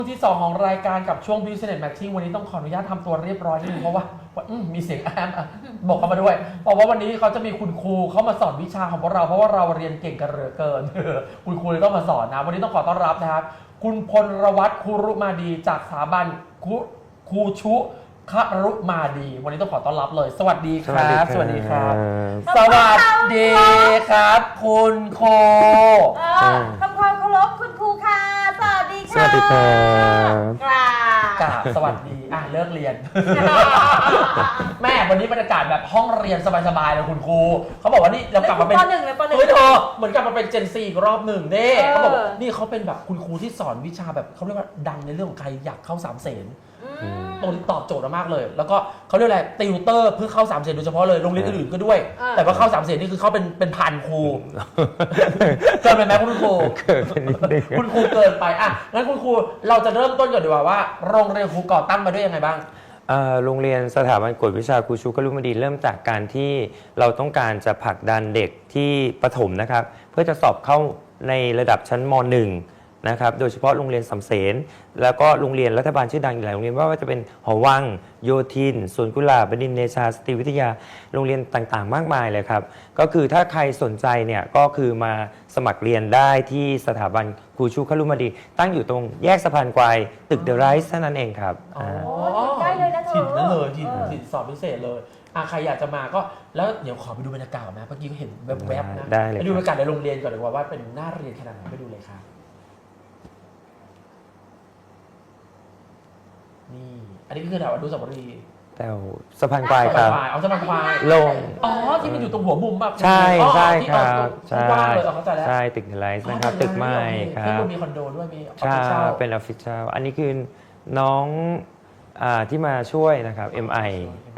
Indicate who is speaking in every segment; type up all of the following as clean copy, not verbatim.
Speaker 1: ที่2ของรายการกับช่วง Business Matching วันนี้ต้องขออนุญาตทำตัวเรียบร้อยนิดนึงเพราะว่ามีเสียงแอมบอกเข้ามาด้วยเพราะว่าวันนี้เขาจะมีคุณครูเข้ามาสอนวิชาของพวกเราเพราะว่าเราเรียนเก่งกันเหลือเกิน คุณครูเลยต้องมาสอนนะวันนี้ต้องขอต้อนรับนะครับคุณพลวัฒน์คุรุมาดีจากสถาบันครูชุครุมาดีวันนี้ต้องขอต้อนรับเลยสวัสดีครับสวัสดีครับสวัสดีครับคุณโค
Speaker 2: ทำความเคารพคุณครูค่ะสวัสดีค่ะ
Speaker 3: สวัสดีครับ
Speaker 1: กราบสวัสดีเลิกเรียน แม่วันนี้บรรยากาศแบบห้องเรียนสบายๆเลยคุณครูเขาบอกว่านี่เรากลับมาเป็น
Speaker 2: ป .1 เลยป .1
Speaker 1: เฮ้ยเธอเหมือนกลับมาเป็นเจนซีอีกรอบหนึ่งเด้เขาบอกนี่เขาเป็นแบบคุณครูที่สอนวิชาแบบเขาเรียกว่าดังในเรื่องของใครอยากเข้า3 เสนตรงนี้ตอบโจทย์มากเลยแล้วก็เขาเรียกอะไรติวเตอร์เพื่อเข้า3 เสนโดยเฉพาะเลยโรงเรียนอื่นๆก็ด้วยแต่ว่าเข้า3 เสนนี่คือเขาเป็นพันครูเกินไปไหมคุณครูคุณครูเกินไปงั้นคุณครูเราจะเริ่มต้นก่อนดีกว่าว่าโรงเรียนครูก่อตั้งมาด้วยยังไงบ้าง
Speaker 3: โรงเรียนสถาบันกวดวิชาครูชูครุมาดีเริ่มจากการที่เราต้องการจะผลักดันเด็กที่ประถมนะครับเพื่อจะสอบเข้าในระดับชั้นม .1 นะครับโดยเฉพาะโรงเรียนสำเสนแล้วก็โรงเรียนรัฐบาลชื่อดังอีกหลายโรงเรียนว่าจะเป็นหอวังโยธินสวนกุหลาบบดินทร์เดชาสตรีวิทยาโรงเรียนต่างๆมากมายเลยครับก็คือถ้าใครสนใจเนี่ยก็คือมาสมัครเรียนได้ที่สถาบันครูชูครุมาดีตั้งอยู่ตรงแยกสะพานควายตึกเดอะไรส์เท่านั้นเองครับ
Speaker 2: ใกล้เลยนะเธอ
Speaker 1: ถิ่นนั่นเลยถิ่นสอบพิเศษเลยใครอยากจะมาก็แล้วเดี๋ยวขอไปดูบรรยากาศนะเมื่อกี้ก็เห็นแวบๆนะไปดูบรรยากาศในโรงเรียนก่อนดีกว่าเป็นน่าเรียนขนาดไหนไปดูเลยครับนี่อันนี้คือแถวอนุสาวรีย์
Speaker 3: แถวสะพานควายครับ
Speaker 1: เอาสะพานควาย
Speaker 3: ลง
Speaker 1: ที่มันอยู่ตรงหัวมุมป่ะ
Speaker 3: ใช่ครับ
Speaker 1: ใช่เข้าใจแล้ว
Speaker 3: ใช่ตึกเดอะไรส์นะครับตึกใหม่ครับ
Speaker 1: ที่มีคอนโดด้วยมี
Speaker 3: ใช่เป็นออฟฟิศเช่าอันนี้คือน้องที่มาช่วยนะครับ MI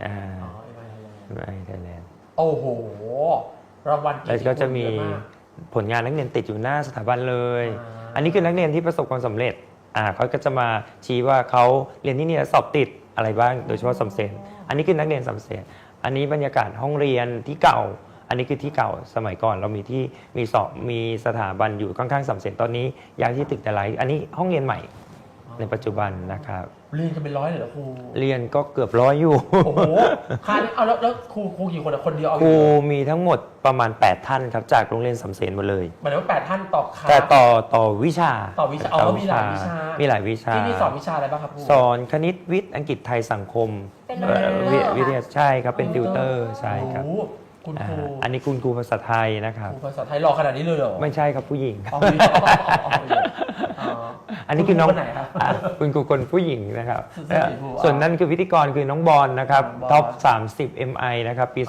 Speaker 3: MI Thailand
Speaker 1: โอ้โหรางวัล
Speaker 3: แล้วก็จะมีผลงานนักเรียนติดอยู่หน้าสถาบันเลยอันนี้คือนักเรียนที่ประสบความสำเร็จเขาก็จะมาชี้ว่าเขาเรียนที่นี่สอบติดอะไรบ้างโดยเฉพาะสำเสนอันนี้คือนักเรียนสำเสนอันนี้บรรยากาศห้องเรียนที่เก่าอันนี้คือที่เก่าสมัยก่อนเรามีที่มีสถาบันอยู่ข้างๆสำเสนตอนนี้ย้ายที่ตึกแต่ไรอันนี้ห้องเรียนใหม่ในปัจจุบันนะครับ
Speaker 1: เรียนกันเป็น100เลยเหรอครู
Speaker 3: เรียนก็เกือบ100อยู่
Speaker 1: โอ้โหค่ะแล้วครูกี่คนคนเดียว
Speaker 3: ครูมีทั้งหมดประมาณ8ท่านครับจากโรงเรียนสำเสนหมดเลย
Speaker 1: หมายถึงว่า8ท่านต่อคลาส
Speaker 3: แต่ต่อวิชา
Speaker 1: มีหลายวิชาที่นี่สอนวิชาอะไรบ้างครับครู
Speaker 3: สอนคณิตวิทย์อังกฤษไทยสังคมวิทยาใช่ครับเป็นติวเตอร์ใช่ครับ
Speaker 1: คุณครู
Speaker 3: อันนี้คุณครูภาษาไทยนะครับ
Speaker 1: ครูภาษาไทยหล่อขนาดนี้เลยเหรอ
Speaker 3: ไม่ใช่ครับผู้หญิงอันนี้คือน้องคุณครูคนผู้หญิงนะครับส่วนนั้นคือพิธีกรคือน้องบอลนะครับท็อป30 MI นะครับปี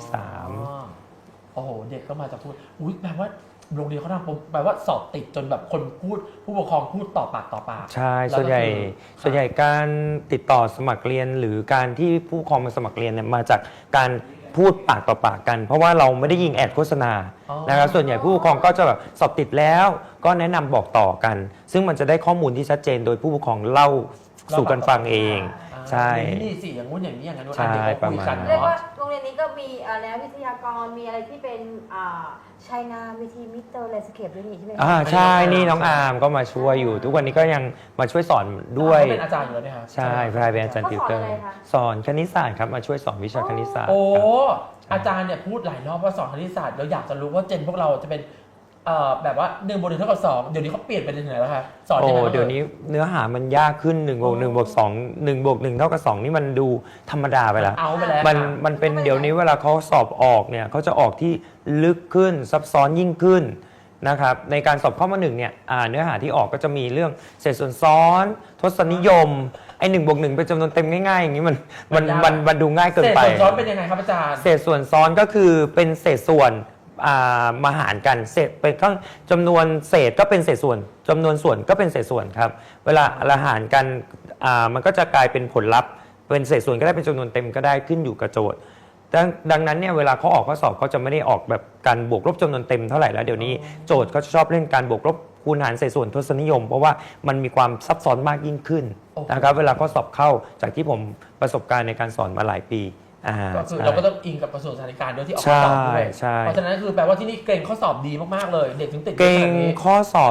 Speaker 3: 2023
Speaker 1: โอ้โหเด็กก็มาจากพูดแปลว่าโรงเรียนเขาทำแปลว่าสอบติดจนแบบคนพูดผู้ปกครองพูดต่อปาก
Speaker 3: ใช่ส่วนใหญ่การติดต่อสมัครเรียนหรือการที่ผู้ปกครองมาสมัครเรียนเนี่ยมาจากการพูดปากต่อปากกันเพราะว่าเราไม่ได้ยิงแอดโฆษณานะครับส่วนใหญ่ผู้ปกครองก็จะแบบสอบติดแล้วก็แนะนำบอกต่อกันซึ่งมันจะได้ข้อมูลที่ชัดเจนโดยผู้ปกครองเล่าสู่กันฟังเองใช่
Speaker 1: นี่สิอย่างงู้นอย่างนี้อย่างนั้น
Speaker 3: ใช่ประมาณ
Speaker 2: เรียกว่าโรงเรียนนี้ก็มีแล้ววิทยากรมีอะไรที่เป็นชัยนาวิธีมิสเตอร์แลนด์สเคปด้วยนี่ใช่ไหม
Speaker 3: ใช่นี่น้องอาร์มก็มาช่วยอยู่ทุกวันนี้ก็ยังมาช่วยสอนด้วย
Speaker 1: เป็นอาจารย์อยู่แล้วเนี่ยครับ
Speaker 3: ใช่เป็นอาจารย์ติวเตอร์สอนคณิตศาสตร์ครับมาช่วยสอนวิชาคณิตศาสตร์
Speaker 1: อาจารย์เนี่ยพูดหลายรอบว่าสอนคณิตศาสตร์เราอยากจะรู้ว่าเจนพวกเราจะเป็นแบบว่า1 บวก 1 เท่ากับ 2เดี๋ยวนี้เขาเปลี่ยนไปถึงไหนแล้วคะสอนยังไง
Speaker 3: เดี๋ยวนี้เนื้อหามันยากขึ้น1 บวก 1 บวก 2 1 บวก 1 เท่ากับ 2นี่มันดูธรรมดาไปแล้วมันเป็นเดี๋ยวนี้เวลาเขาสอบออกเนี่ยเขาจะออกที่ลึกขึ้นซับซ้อนยิ่งขึ้นนะครับในการสอบข้อมา1เนี่ยเนื้อหาที่ออกก็จะมีเรื่องเศษส่วนซ้อนทศนิยมไอ้1 บวก 1เป็นจำนวนเต็มง่ายๆอย่างนี้มันดูง่ายเกินไป
Speaker 1: เศษส่วนซ้อนเป็นยังไงครับอาจารย์
Speaker 3: เศษส่วนซ้อนก็คือเป็นเศษส่วนมาหารกันเศษเป็นข้างจำนวนเศษก็เป็นเศษส่วนจำนวนส่วนก็เป็นเศษส่วนครับเวลาละหารกันมันก็จะกลายเป็นผลลัพธ์เป็นเศษส่วนก็ได้เป็นจำนวนเต็มก็ได้ขึ้นอยู่กับโจทย์ดังนั้นเนี่ยเวลาเขาออกข้อสอบเขาจะไม่ได้ออกแบบการบวกลบจำนวนเต็มเท่าไหร่แล้วเดี๋ยวนี้โจทย์เขาจะชอบเล่นการบวกลบคูณหารเศษส่วนทศนิยมเพราะว่ามันมีความซับซ้อนมากยิ่งขึ้นนะครับเวลาข้อสอบเข้าจากที่ผมประสบการณ์ในการสอนมาหลายปี
Speaker 1: ก็คือเราก็ต้องอิงกับกระทรวงสาธารณสุขด้วยที่ออกข้อสอบด้วยเพราะฉะนั้นคือแปลว่าที่นี่เกรงข้อสอบดีมากๆเลยเด็กถึงติด
Speaker 3: เกรงข้อสอบ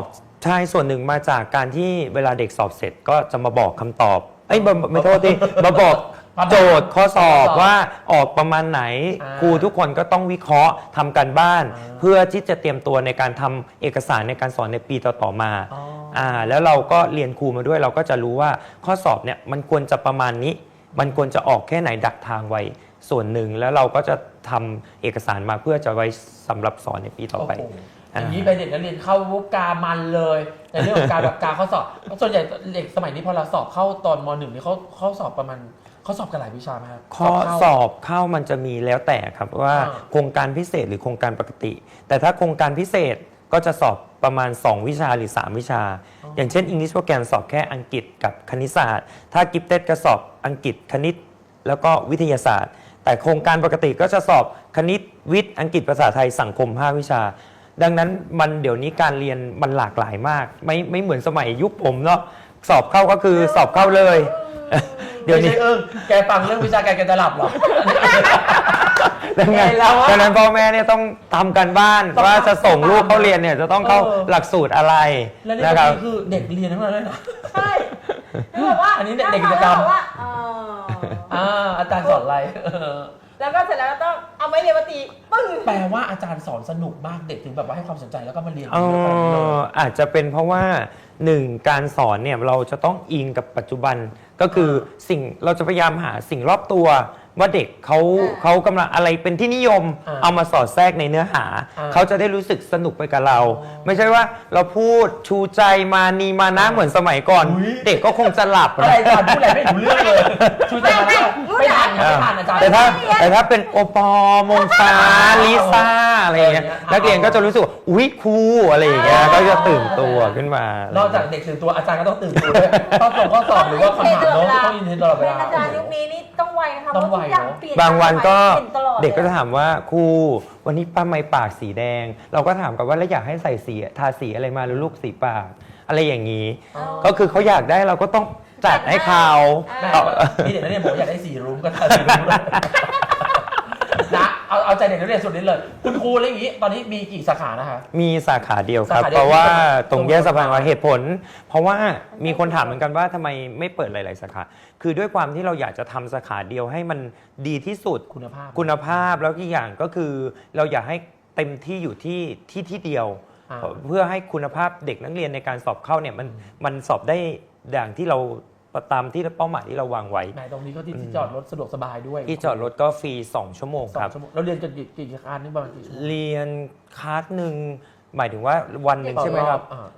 Speaker 3: ใช่ส่วนหนึ่งมาจากการที่เวลาเด็กสอบเสร็จก็จะมาบอกคำตอบไม่โทษทีมาบอกโจทย์ข้อสอบว่าออกประมาณไหนครูทุกคนก็ต้องวิเคราะห์ทำการบ้าน เพื่อที่จะเตรียมตัวในการทำเอกสารในการสอนในปีต่อๆมาแล้วเราก็เรียนครูมาด้วยเราก็จะรู้ว่าข้อสอบเนี่ยมันควรจะประมาณนี้มันควรจะออกแค่ไหนดักทางไว้ส่วนหนึ่งแล้วเราก็จะทำเอกสารมาเพื่อจะไว้สำหรับสอนในปีต่อไป
Speaker 1: อย่างนี้ไปเด็กนักเรียนเข้าวุกามันเลยในเรื่องของการแบบการข้อสอบส่วนใหญ่เด็กสมัยนี้พอเราสอบเข้าตอนม .1 นี่เขาสอบประมาณเขาสอบกันหลายวิชาไหมครับ
Speaker 3: ข้อสอบเข้ามันจะมีแล้วแต่ครับว่าโครงการพิเศษหรือโครงการปกติแต่ถ้าโครงการพิเศษก็จะสอบประมาณ2วิชาหรือ3วิชาอย่างเช่น English Program สอบแค่อังกฤษกับคณิตศาสตร์ถ้า Gifted ก็สอบอังกฤษคณิตแล้วก็วิทยาศาสตร์แต่โครงการปกติก็จะสอบคณิตวิทย์อังกฤษภาษาไทยสังคม5วิชาดังนั้นมันเดี๋ยวนี้การเรียนมันหลากหลายมากไม่เหมือนสมัยยุคผมเนาะสอบเข้าก็คือสอบเข้าเลย
Speaker 1: เดี๋ยวนี้แกฟังเรื่องวิชาการแกจะหลับหรอ
Speaker 3: ดังนั้นพ่อแม่เนี่ยต้องทำกันบ้านว่าจะส่งลูกเขาเรียนเนี่ยจะต้องเข้าหลักสูตรอะไร
Speaker 1: นะครับคือเด็กเรียนทั้งนั้นเลยนะ
Speaker 2: ใช่คือแบบว่า
Speaker 1: อันนี้เด็กกิจกรรมอาจารย์สอนอะไร
Speaker 2: แล้วก็เสร็จแล้วก็ต้องเอาไม้เรียนมาตีปึ้ง
Speaker 1: แปลว่าอาจารย์สอนสนุกมากเด็กถึงแบบว่าให้ความสนใจแล้วก็มาเรียน
Speaker 3: อาจจะเป็นเพราะว่า1การสอนเนี่ยเราจะต้องอิงกับปัจจุบันก็คือสิ่งเราจะพยายามหาสิ่งรอบตัวว่าเด็กเขากำลังอะไรเป็นที่นิยมเอามาสอดแทรกในเนื้อหาเขาจะได้รู้สึกสนุกไปกับเราไม่ใช่ว่าเราพูดชูใจมานีมานะเหมือนสมัยก่อนเด็กก็คงจะหลับ
Speaker 1: อะไรอาจารย์พูดอะไรไม่รู้เรื่องเลยชูใจมาไม่ทันอาจารย์
Speaker 3: แต่ถ้าเป็นโอปอมงฟ้าลิซ่าอะไรอย่างเงี้ยนักเรียนก็จะรู้สึกอุ๊ยครูอะไรอย่างเงี้ยก็จะตื่นตัวขึ้นมาน
Speaker 1: อกจากเด็กตื่นตัวอาจารย์ก็ต้องตื่นตัวด้วยต้องส่งข้อสอบหรือว่าคำถามโน้ตต้องอินเทนตลอดเวลา
Speaker 2: อาจารย์ยุคนี้นี่ต้องไวนะคะ
Speaker 1: ต้องไว
Speaker 3: บางวันก็เด็กก็จะถามว่าครูวันนี้ป้าไม่ปากสีแดงเราก็ถามกันว่าแล้วอยากให้ใส่สีทาสีอะไรมาหรือลูกสีปากอะไรอย่างนี้ก็คือเขาอยากได้เราก็ต้องจัดให้เขา
Speaker 1: นี่เด็กนักเรียนบอกอยากได้สีรุ้งก็ทาสีรุ้งเลยนะเอาใจเด็กนักเรียนสุดนี้เลยคุณครูอะไรอย่างนี้ตอนนี้มีกี่สาขานะคะ
Speaker 3: มีสาขาเดียวครับเพราะว่าตรงแยกสะพานวาเหตุผลเพราะว่ามีคนถามเหมือนกันว่าทำไมไม่เปิดหลายๆสาขาคือด้วยความที่เราอยากจะทำสาขาเดียวให้มันดีที่สุดคุณภาพแล้วอีกอย่างก็คือเราอยากให้เต็มที่อยู่ที่เดียวเพื่อให้คุณภาพเด็กนักเรียนในการสอบเข้าเนี่ยมันสอบได้อย่างที่เราตามที่เป้าหมายที่เราวางไว้
Speaker 1: ตรงนี้ก็ที่จอดรถสะดวกสบายด้วย
Speaker 3: ที่จอดรถก็ฟรี2ชั่วโมงครับ
Speaker 1: เราเรียนกันกี่คลาสนี่ประมาณกี่
Speaker 3: เรียนคลาสหนึ่งหมายถึงว่าวันหนึ่งใช่ไหมครับ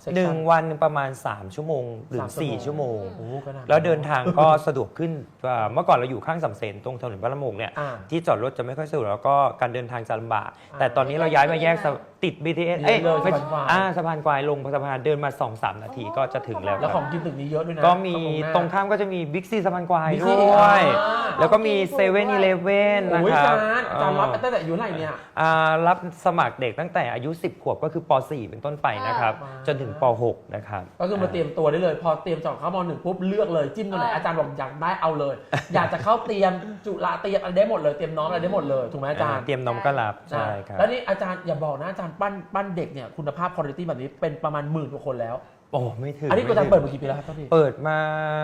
Speaker 3: 1 วันประมาณ3ชั่วโมงหรือ4ชั่วโมงแล้วเดินทางก็สะดวกขึ้นเมื่อก่อนเราอยู่ข้างสำเพ็ญตรงถนนพระละมุงเนี่ยที่จอดรถจะไม่ค่อยสะดวกแล้วก็การเดินทางจะลำบากแต่ตอนนี้เราย้ายมาแยกติด BTS สะพานควายลงสะพานเดินมา 2-3 นาทีก็จะถึงแล้ว
Speaker 1: แล้วของกินตึกนี้เยอะด้วยนะ
Speaker 3: ก็มีตรงข้ามก็จะมีบิ๊กซีสะพานควายด้วยแล้วก็มีเซเว่นอีเลฟเว่นนะครับ
Speaker 1: อาจารย์รับตั้งแต่อายุไหนเนี่ย
Speaker 3: รับสมัครเด็กตั้งแต่อายุ10 ขวบก็คือป .4 เป็นต้นไปนะครับจนถึงป .6 นะครับ
Speaker 1: ก็คือมาเตรียมตัวได้เลยพอเตรียมสอบเข้าม.1 ปุ๊บเลือกเลยจิ้มตัวไหนอาจารย์บอกอยากได้เอาเลยอยากจะเข้าเตรียมจุฬาเตรียมอะไรได้หมดเลยเตรียมน้องอะไรได้หมดเลยถูกไหมอาจารย์
Speaker 3: เตรียมน้องก็รับใช่ครับ
Speaker 1: แล้วนี่อาจารย์อย่าบอกนะอาจารย์ปั้นเด็กเนี่ยคุณภาพคุณภาพแบบนี้เป็นประมาณ10,000 กว่าคนแล้ว
Speaker 3: โอ้ไม่ถึง
Speaker 1: อันนี้อาจารย์เปิดมากี่ปีแล้วครับพี่
Speaker 3: เปิดมา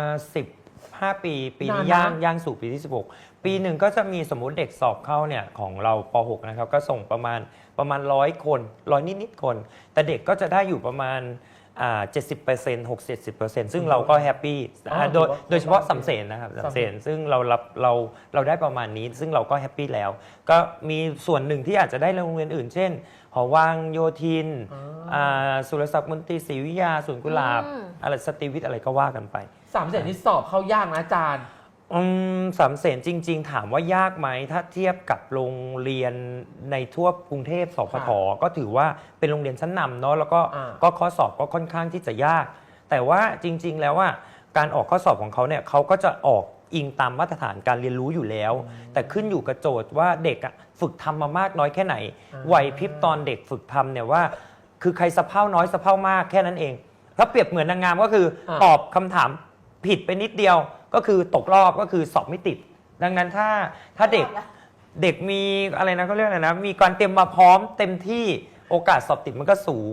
Speaker 3: 15 ปีปีนี้ย่างสู่ปีที่16ปีหนึ่งก็จะมีสมมุติเด็กสอบเข้าเนี่ยของเราป .6 นะครับก็ส่งประมาณ100 คน100นิดๆคนแต่เด็กก็จะได้อยู่ประมาณ70% 60-70%ซึ่งเราก็แฮปปี้โดยเฉพาะสำเสนนะครับสำเสนซึ่งเราได้ประมาณนี้ซึ่งเราก็แฮปปี้แล้วก็มีส่วนหนึ่งที่อาจจะได้โรงเรียนอื่นเช่นหอวังโยธินสุรศักดิ์มนตรีศรีวิทยาสวนกุหลาบอะไรสตรีวิทย์อะไรก็ว่ากันไป
Speaker 1: สำเสนที่สอบเข้ายากนะอาจารย์
Speaker 3: สำเสนจริงๆถามว่ายากไหมถ้าเทียบกับโรงเรียนในทั่วกรุงเทพสพทก็ถือว่าเป็นโรงเรียนชั้นนำเนาะแล้วก็ข้อสอบก็ค่อนข้างที่จะยากแต่ว่าจริงๆแล้วว่าการออกข้อสอบของเขาเนี่ยเขาก็จะออกอิงตามมาตรฐานการเรียนรู้อยู่แล้วแต่ขึ้นอยู่กับโจทย์ว่าเด็กฝึกทำมามากน้อยแค่ไหนไหวพริบตอนเด็กฝึกทำเนี่ยว่าคือใครสะเพร่าน้อยสะเพร่ามากแค่นั้นเองถ้าเปรียบเหมือนนางงามก็คือตอบคำถามผิดไปนิดเดียวก็คือตกรอบก็คือสอบไม่ติดดังนั้นถ้าเด็กมีอะไรนะเขาเรียกอะไรนะมีการเตรียมมาพร้อมเต็มที่โอกาสสอบติดมันก็สูง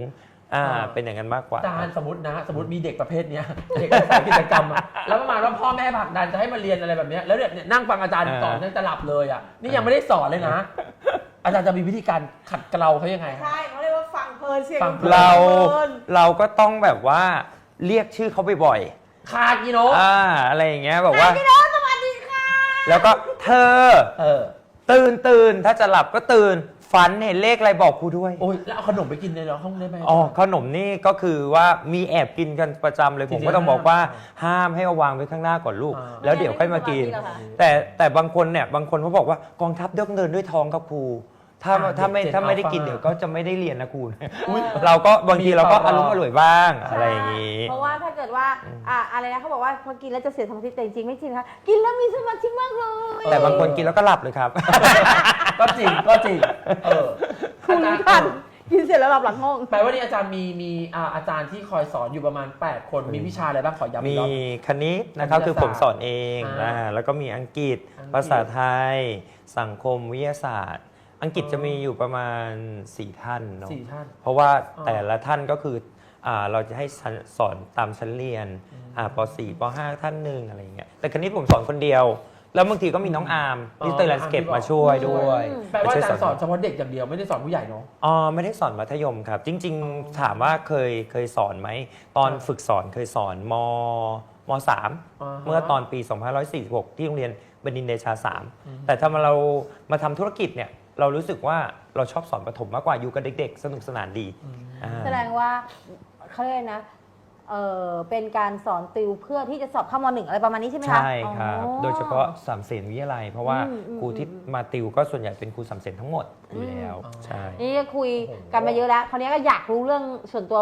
Speaker 3: เป็นอย่างนั้นมากกว่า
Speaker 1: อาจารย์สมมติมีเด็กประเภทเนี้ย เด็กสายกิจกรรมอะแล้วประมาณว่าพ่อแม่ผลักดันจะให้มาเรียนอะไรแบบเนี้ยแล้วเนี่ยนั่งฟังอาจารย์สอนนั่งจะหลับเลยอ่ะนี่ยังไม่ได้สอนเลยนะ อาจารย์จะมีวิธีการขัดเกลาเขายังไง
Speaker 2: ใช่เขาเรียกว่าฟังเพลินเสียง
Speaker 1: ฟังเพลิน
Speaker 3: เราก็ต้องแบบว่าเรียกชื่อเขาบ่อย
Speaker 1: คากิโนะ
Speaker 3: อะไรอย่างเงี้ยแบบว่า
Speaker 2: พี่โน้ตสวัสดีค่ะ
Speaker 3: แล้วก็เธอ ตื่นถ้าจะหลับก็ตื่นฝันเห็นเลขอะไรบอกครูด้วย
Speaker 1: โอ้ยแล้วเอาขนมไปกินในห้องได้ไหม
Speaker 3: อ๋อขนมนี่ก็คือว่ามีแอบกินกันประจำเลย
Speaker 1: จ
Speaker 3: ผ
Speaker 1: ริงๆ
Speaker 3: มก็ต้องบอกว่า
Speaker 1: ห้าม
Speaker 3: ห้ามให้เอาวางไว้ข้างหน้าก่อนลูก
Speaker 1: อ่า
Speaker 3: แล้วเดี๋ยวค่อยมากิน แต่บางคนเนี่ยบางคนเขาบอกว่ากองทัพเดินด้วยท้องครับครูถ้าไม่ได้กินเดี๋ยวก็จะไม่ได้เรียนนะครูเราก็บางทีเราก็อารมณ์อร่อยบ้างอะไรอย่างนี้
Speaker 2: เพราะว่าถ้าเกิดว่าอะไรนะเขาบอกว่าพอกินแล้วจะเสียสมาธิแต่จริงๆไม่จริงนะคะกินแล้วมีสมาธิมากเลย
Speaker 3: แต่บางคนกินแล้วก็หลับเลยครับ
Speaker 1: ก็จริง
Speaker 2: คุณ
Speaker 1: อาจารย์
Speaker 2: กันกินเสร็จแล้วหลับหลังห้อง
Speaker 1: แปลว่านี่อาจารย์มีอาจารย์ที่คอยสอนอยู่ประมาณ 8 คนมีวิชาอะไรบ้างขอย้ำอี
Speaker 3: มี
Speaker 1: กรอบ
Speaker 3: คณิตนะครับ
Speaker 1: คณิตศาสตร์
Speaker 3: คือผมสอนเอง
Speaker 1: อ่า
Speaker 3: แล้วก็มีอังกฤษ ภาษาไทย สังคมวิทยาศาสตร์ อังกฤษจะมีอยู่ประมาณ 4 ท่านเนาะ
Speaker 1: 4 ท่าน
Speaker 3: เพราะว่า
Speaker 1: อ๋อ
Speaker 3: แต่ละท่านก็คือเราจะให้สอนตามชั้นเรียนป .4 ป .5 ท่านหนึ่งอะไรอย่างเงี้ยแต่คณิตผมสอนคนเดียว แล้วบางทีก็มีน้องอาร์มที่เตอร์แลนด์สเคปมาช่วยด้วย
Speaker 1: แปลว่าอาจารย์ส
Speaker 3: ช่
Speaker 1: อ
Speaker 3: วย
Speaker 1: นเฉพาะเด็กอย่างเดียวไม่ได้สอนผู้ใหญ่เนาะ
Speaker 3: ไม่ได้สอนมัธยมครับ จริง ๆ ถามว่าเคยสอนไหม ตอนฝึกสอนเคยสอนม .3 เมื่อตอนปี 2546 ที่โรงเรียนบดินทร์เดชา 3 แต่ถ้าเรามาทำธุรกิจเนี่ยเรารู้สึกว่าเราชอบสอนประถมมากกว่าอยู่กับเด็กๆ สนุกสนานดี
Speaker 2: แสดงว่าเขาเรียกนะเป็นการสอนติวเพื่อที่จะสอบเข้าม .1 อะไรประมาณนี้ใช่ไหมคะ
Speaker 3: ใช่ครับ
Speaker 2: อ๋อ
Speaker 3: โดยเฉพาะสามเสนวิทยาลัย เพราะว่า
Speaker 2: อืม
Speaker 3: ครูที่มาติวก็ส่วนใหญ่เป็นครูสามเสนทั้งหมดอยู่แล้วใช่
Speaker 2: นี่ก็คุยกันมาเยอะแล้วคราวนี้ก็อยากรู้เรื่องส่วนตัว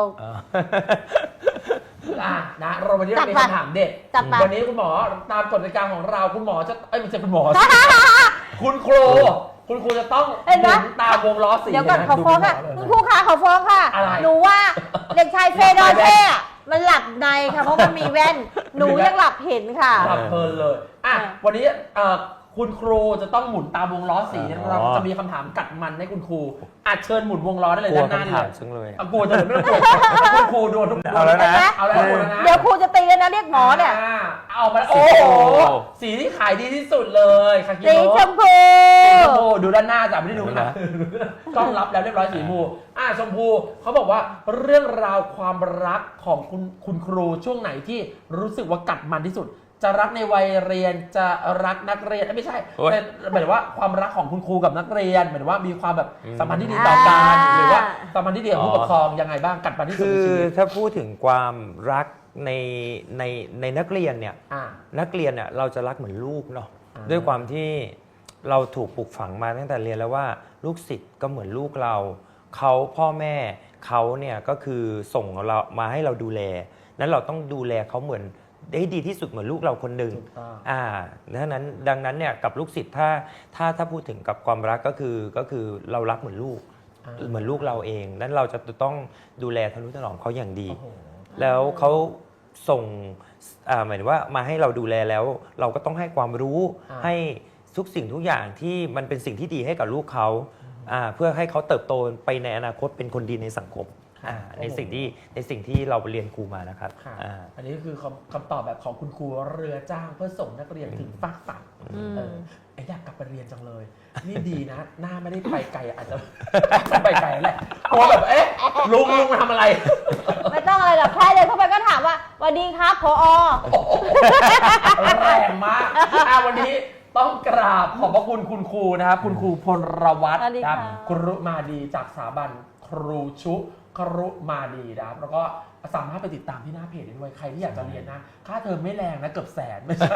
Speaker 1: นะเราวันนี้เรามีคำถามเด็ด
Speaker 2: จัดไป
Speaker 1: วันนี้คุณหมอตามกฎกติกาของเราคุณหมอจะไม่ใช่คุณหมอสิ คุณครูจะต้อง
Speaker 2: เห็นไหม
Speaker 1: หมุนตามวงล้อสี
Speaker 2: เดี๋ยวก่อน
Speaker 1: นะ
Speaker 2: ขอฟ้องค่ะ
Speaker 1: ดู
Speaker 2: คุณครูคะขอฟ้องค่ะ
Speaker 1: อะไร
Speaker 2: หนูว่าเด็กชายเฟโดเช่อะมันหลับในค่ะเพราะมันมีแว่น หนูยังหลับเห็นค่ะ
Speaker 1: หลับเพลินเลยวันนี้คุณครูจะต้องหมุนตามวงล้อสี
Speaker 3: อ๋อ
Speaker 1: เราจะมีคำถามกัดมันให้คุณครูเชิญหมุนวงล้อได้เลย
Speaker 3: กลัว
Speaker 1: ด้านหน้า
Speaker 3: คำ
Speaker 1: เล
Speaker 3: ถาม
Speaker 1: ย
Speaker 3: จังเลย
Speaker 1: กลัวจะไม่ต้องกลัวคุณครูโดนทุก
Speaker 3: เอาแล้วนะ
Speaker 1: เอาแล้วนะ
Speaker 2: เดี๋ยวครูจะตีแล้วนะเรียกหมอเนี่ย
Speaker 1: เอามาโอ้โหสีที่ขายดีที่สุดเลยคากิ
Speaker 2: สี
Speaker 1: โนะ
Speaker 2: ชมพู
Speaker 1: สีชมพูดูด้านหน้าจ้ะไม่ได้ดูข้างหลังกล้องรับแล้วเรียบร้อยสีชมพูชมพูเขาบอกว่าเรื่องราวความรักของคุณครูช่วงไหนที่รู้สึกว่ากัดมันที่สุด จะรักในวัยเรียนจะรักนักเรียนไม่ใช่
Speaker 3: โอ๊ย
Speaker 1: เป็นหมายถึงว่าความรักของคุณครูกับนักเรียนหมายถึงว่ามีความแบบสัมพันธ์ที่ดีต่อกันหรือว่าสัมพันธ์ที่ดีกับผู้ปกครองยังไงบ้างกัดมันที่สุด
Speaker 3: คื
Speaker 1: ใน
Speaker 3: อ
Speaker 1: ชีวิต
Speaker 3: ถ้าพูดถึงความรักในนักเรียนเนี่ย
Speaker 1: อ่า
Speaker 3: นักเรียนเนี่ยเราจะรักเหมือนลูกเนาะ
Speaker 1: อ่า
Speaker 3: ด้วยความที่เราถูกปลูกฝังมาตั้งแต่เรียนแล้วว่าลูกศิษย์ก็เหมือนลูกเราเขาพ่อแม่เขาเนี่ยก็คือส่งเรามาให้เราดูแลนั้นเราต้องดูแลเขาเหมือนได้ดีที่สุดเหมือนลูกเราคนหนึ่ง
Speaker 1: ถูกต้อง
Speaker 3: ดังนั้นเนี่ยกับลูกศิษย์ถ้าพูดถึงกับความรักก็คือเรารักเหมือนลูก เหมือนลูกเราเองนั้นเราจะต้องดูแลทนุถนอมเขาอย่างดี
Speaker 1: โอ้โห
Speaker 3: แล้วเขาส่งหมายถึงว่ามาให้เราดูแลแล้ว เราก็ต้องให้ความรู้ ให้ทุกสิ่งทุกอย่างที่มันเป็นสิ่งที่ดีให้กับลูกเขาเพื่อให้เขาเติบโตไปในอนาคตเป็นคนดีในสังคมในสิ่งที่เราเรียนครูมานะครับ
Speaker 1: ค่ะอันนี้คือคำตอบแบบของคุณครูเรือจ้างเพื่อส่งนักเรียนถึงฟากฝั่งอยากกลับไปเรียนจังเลย นี่ดีนะ หน้าไม่ได้ไปไกลอาจจะ ไปไกลแหละกลัวแบบลุงมาทำอะไร
Speaker 2: ไม่ต้องอะไรหรอกแค่เดินเข้าไปก็ถามว่าสวัสดีครับผอ
Speaker 1: แรงมากวันนี้ต้องกราบขอบพระคุณคุณครูนะครับคุณครูพลวัฒน์
Speaker 2: สวัสดี
Speaker 1: ครั
Speaker 2: ค่ะ
Speaker 1: ครุมาดีจากสถาบันครูชุครุมาดีนะครับแล้วก็สามารถไปติดตามที่หน้าเพจได้ด้วยใครที่อยากจะเรียนนะค่าเทอมไม่แรงนะเกือบแสนไม่ใช่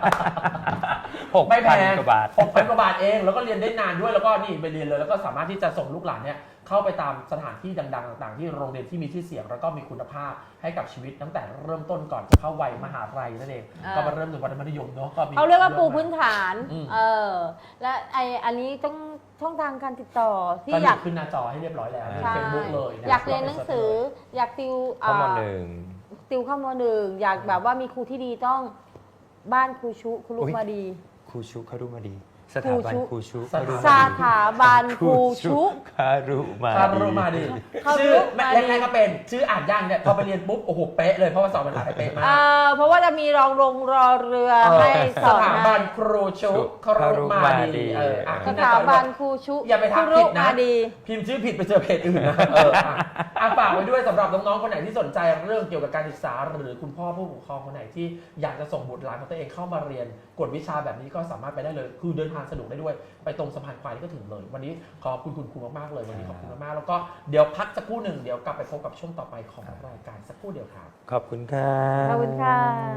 Speaker 1: ไม่แพง
Speaker 3: 6,000 กว่าบาท
Speaker 1: 6,000 กว่าบาทเองแล้วก็เรียนได้นานด้วยแล้วก็นี่ไปเรียนเลยแล้วก็สามารถที่จะส่งลูกหลานเนี่ยเข้าไปตามสถานที่ดังๆต่างๆที่โรงเรียนที่มีชื่อเสียงแล้วก็มีคุณภาพให้กับชีวิตตั้งแต่เริ่มต้นก่อนจะเข้าวัยมหาลัยนั่นเองก็มาเริ่มถึงวัยมัธยมเนาะก็มี
Speaker 2: เขาเรียกว่าปูพื้นฐาน
Speaker 1: อืม
Speaker 2: และอันนี้ต้องช่องทางการติดต่อที่
Speaker 1: ก็
Speaker 2: อยาก
Speaker 1: ขึ้นหน้าจอให้เรียบร้อยแล้วใน
Speaker 2: ใช่
Speaker 1: เฟซบุ๊กเลยนะ
Speaker 2: อยากเรียนหนังสืออยากติว
Speaker 3: ข้อมูลหนึ่ง
Speaker 2: ติวเข้าม .1 อยากแบบว่ามีครูที่ดีต้องบ้านครูชุครูลูกมาดี
Speaker 3: ครูชุเขาดูมาดีสถาบันครูชุ
Speaker 1: สถาบัน
Speaker 2: สถาบันครูชุ
Speaker 3: คารุมา
Speaker 1: คารุมาดี
Speaker 2: คารุ
Speaker 1: ชื่อ
Speaker 2: มาดี
Speaker 1: แรกๆก็เป็นชื่ออ่านยากเนี่ยพอไปเรียนปุ๊บโอ้โหเป๊ะเลยเพราะว่าสอนภาษาไทยเป๊ะมาก
Speaker 2: เพราะว่าจะมีรองรอเรือให้ส
Speaker 1: ส
Speaker 2: อน
Speaker 1: ถาบันครูชุคารุมาดี
Speaker 2: สถาบันครูชุ
Speaker 1: อย่าไปทัก
Speaker 2: ครู
Speaker 1: ผิดนะ
Speaker 2: มาดี
Speaker 1: พิมพ์ชื่อผิดไปเจอเพจอื่นนะฝากไว้ด้วยสำหรับน้องๆคนไหนที่สนใจเรื่องเกี่ยวกับการศึกษาหรือคุณพ่อผู้ปกครองคนไหนที่อยากจะส่งบุตรหลานของตัวเองเข้ามาเรียนกวดวิชาแบบนี้ก็สามารถไปได้เลยคือเดินทางสะดวกได้ด้วยไปตรงสะพานควายนี่ก็ถึงเลย วันนี้ขอบคุณคุณครูมากๆเลยวันนี้ขอบคุณมากๆแล้วก็เดี๋ยวพักสักครู่หนึ่งเดี๋ยวกลับไปพบกับช่วงต่อไปของรายการสักครู่เดียวครับ
Speaker 3: ขอบคุณครับ
Speaker 2: ขอบคุณค่ะ